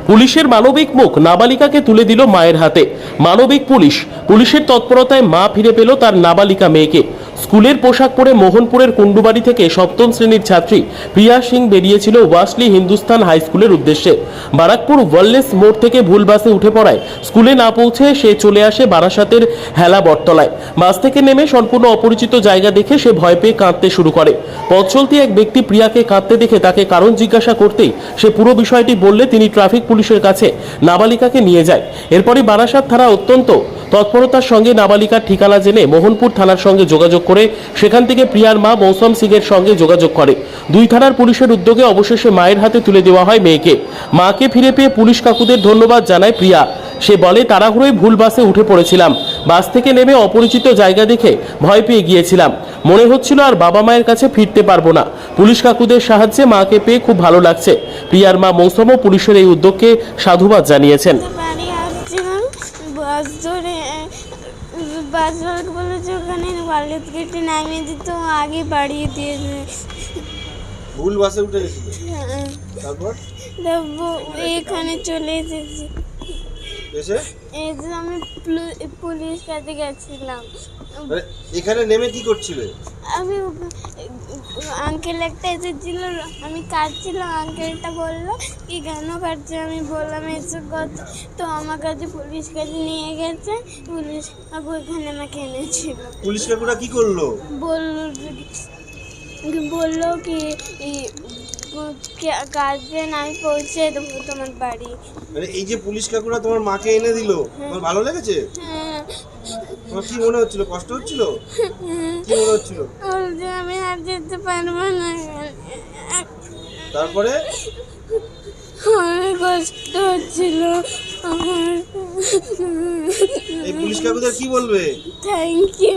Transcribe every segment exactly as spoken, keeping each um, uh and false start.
পুলিশের মানবিক মুখ নাবালিকাকে তুলে দিল মায়ের হাতে। মানবিক পুলিশ পুলিশের তৎপরতায় মা ফিরে পেল তার নাবালিকা মেয়েকে। স্কুলের পোশাক পরে মোহনপুরের কুন্ডুবাড়ি থেকে সপ্তম শ্রেণীর ছাত্রী প্রিয়া সিং বেরিয়েছিল ওয়াসলি হিন্দুস্তান হাই স্কুলের উদ্দেশ্যে। বারাকপুর ওয়েলনেস মোড় থেকে ভুল বাসে উঠে পড়ায় স্কুলে না পৌঁছে সে চলে আসে বারাসাতের হেলা বটতলায়। বাস থেকে নেমে সম্পূর্ণ অপরিচিত জায়গা দেখে সে ভয় পেয়ে কাঁদতে শুরু করে। পথ চলতি এক ব্যক্তি প্রিয়াকে কাঁদতে দেখে তাকে কারণ জিজ্ঞাসা করতেই সে পুরো বিষয়টি বললে তিনি ট্রাফিক পুলিশের কাছে নাবালিকাকে নিয়ে যায়। এরপরই বারাসাত থানা অত্যন্ত তৎপরতার সঙ্গে নাবালিকার ঠিকানা জেনে মোহনপুর থানার সঙ্গে যোগাযোগ করে সেখান থেকে প্রিয়ার মা মৌসম সিং এর সঙ্গে যোগাযোগ করে। দুই থানার পুলিশের উদ্যোগে অবশেষে মায়ের হাতে তুলে দেওয়া হয় মেয়েকে। মাকে ফিরে পেয়ে পুলিশ কাকুদের ধন্যবাদ জানায় প্রিয়া। সে বলে, তাড়াহুড়োয় ভুল বাসে উঠে পড়েছিলাম, বাস থেকে নেমে অপরিচিত জায়গা দেখে ভয় পেয়ে গিয়েছিলাম, মনে হচ্ছিল আর বাবা মায়ের কাছে ফিরতে পারবো না। পুলিশ কাকুদের সাহায্যে মাকে পেয়ে খুব ভালো লাগছে। প্রিয়ার মা মৌসুমও পুলিশের এই উদ্যোগকে সাধুবাদ জানিয়েছেন। বাস ধরে বাস বলেছে ওখানে ওয়ালেট কেটে নামিয়ে দিত, আগে বাড়িয়ে দিয়েছে। ভুল বাসে উঠে গেছিল, তারপর এখানে চলে এসেছি। এসে এই যে আমি পুলিশ কাছে গেছিলাম। এখানে নেমে কি করছিলে? আমি আঙ্কেল একটা এসেছিল, আমি কাটছিলাম, আঙ্কেলটা বললো কি কেন কাটছে, আমি বললাম এসব কথা, তো আমার কাছে পুলিশ কাছে নিয়ে গেছে। পুলিশ কাকু এখানে আমাকে এনেছিল। পুলিশ কাকুরা কি করলো? বললো বললো কি গার্জেন আমি পৌঁছে দেবো তোমার বাড়ি। মানে এই যে পুলিশ কাকুরা তোমার মাকে এনে দিল, তোমার ভালো লেগেছে? হ্যাঁ। তোমার কি মনে হচ্ছিল? কষ্ট হচ্ছিল? কি মনে হচ্ছিল? বলছে আমি আর যেতে পারবো না। তারপরে অনেক কষ্ট হচ্ছিল আমার। এই পুলিশ কাকুদের কি বলবে? Thank you.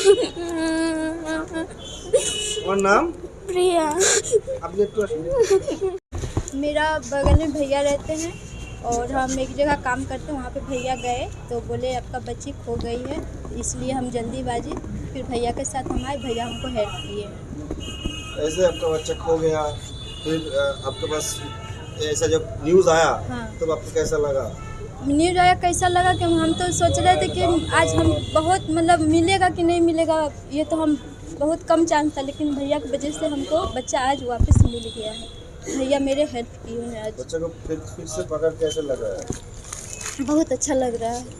তোমার নাম? प्रिया। আপনি একটু আসুন। मेरा बगल में भैया रहते हैं और हम एक जगह काम करते हैं, वहाँ पे भैया गए तो बोले आपका बच्ची खो गई है, इसलिए हम जल्दीबाजी फिर भैया के साथ हम आए, भैया हमको हेल्प किए। ऐसे आपका बच्चा खो गया, फिर आपके पास ऐसा जब न्यूज़ आया, हाँ। तब आपको कैसा लगा? न्यूज आया कैसा लगा कि हम तो सोच रहे थे कि आज हम बहुत मतलब मिलेगा कि नहीं मिलेगा, ये तो हम बहुत कम चांस था, लेकिन भैया की वजह से हमको बच्चा आज वापस मिल गया है। भैया मेरे हेल्प किए हैं आज। बच्चे को फिर फिर से पकड़ कैसे लगा है? बहुत अच्छा लग रहा है।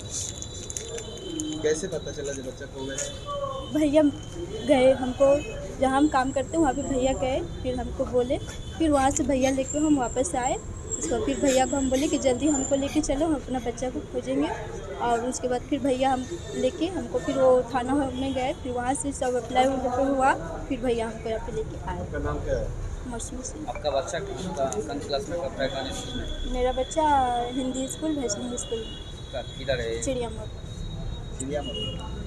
कैसे पता चला जब बच्चा खो गया? भैया गए, हमको जहाँ हम काम करते हैं वहाँ पे भैया गए, फिर हमको बोले, फिर वहाँ से भैया लेके हम वापस आए। तो फिर भैया को हम बोले कि जल्दी हमको लेके चलो, हम अपना बच्चा को खोजेंगे। और उसके बाद फिर भैया हम लेके हमको फिर वो थाना में गए, फिर वहाँ से सब अप्लाई हुआ, फिर भैया हमको यहाँ पे लेके आए। आपका नाम क्या है? मौसमी सिंह। आपका बच्चा कौन क्लास में पढ़ता है? मेरा बच्चा हिंदी स्कूल वैष्णवी स्कूल किधर है? चिड़िया मोड़। चिड़िया मोड़।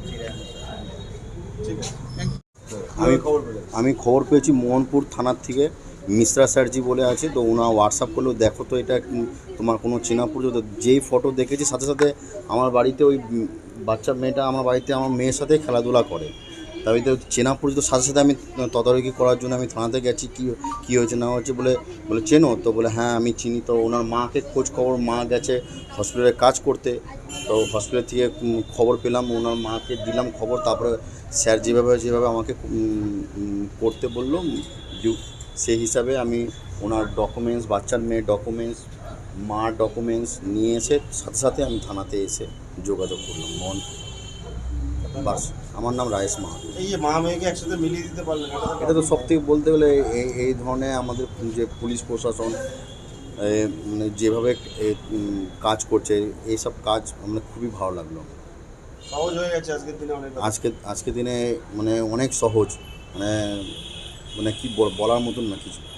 ठीक है। আমি আমি খবর পেয়েছি মোহনপুর থানার থেকে মিশ্রা স্যারজি বলে আছে, তো ওনা হোয়াটসঅ্যাপ করলো, দেখো তো এটা তোমার কোনো চেনা পরিচিত। যেই ফটো দেখেছি সাথে সাথে আমার বাড়িতে ওই বাচ্চা মেয়েটা আমার বাড়িতে আমার মেয়ের সাথে খেলাধুলা করে, তাই তো চেনা পরিচিত সাথে সাথে আমি তদারকি করার জন্য আমি থানাতে গেছি। কী কী হয়েছে না হয়েছে বলে বলে চেনো তো, বলে হ্যাঁ আমি চিনি। তো ওনার মাকে খোঁজ খবর, মা গেছে হসপিটালে কাজ করতে, তো হসপিটাল থেকে খবর পেলাম, ওনার মাকে দিলাম খবর। তারপরে স্যার যেভাবে যেভাবে আমাকে করতে বললো সেই হিসাবে আমি ওনার ডকুমেন্টস, বাচ্চার মেয়ের ডকুমেন্টস, মার ডকুমেন্টস নিয়ে এসে সাথে সাথে আমি থানাতে এসে যোগাযোগ করলাম। মন বাস। আমার নাম রায়েশ মাহাতো। এই যে মা মেয়েকে একসাথে মিলিয়ে দিতে পারলেন, এটা তো সব থেকে বলতে গেলে এই এই ধরনের আমাদের যে পুলিশ প্রশাসন মানে যেভাবে কাজ করছে, এইসব কাজ মানে খুবই ভালো লাগলো। সহজ হয়ে গেছে আজকের দিনে অনেক। আজকে আজকের দিনে মানে অনেক সহজ, মানে মানে কি বলার মতন না কিছু।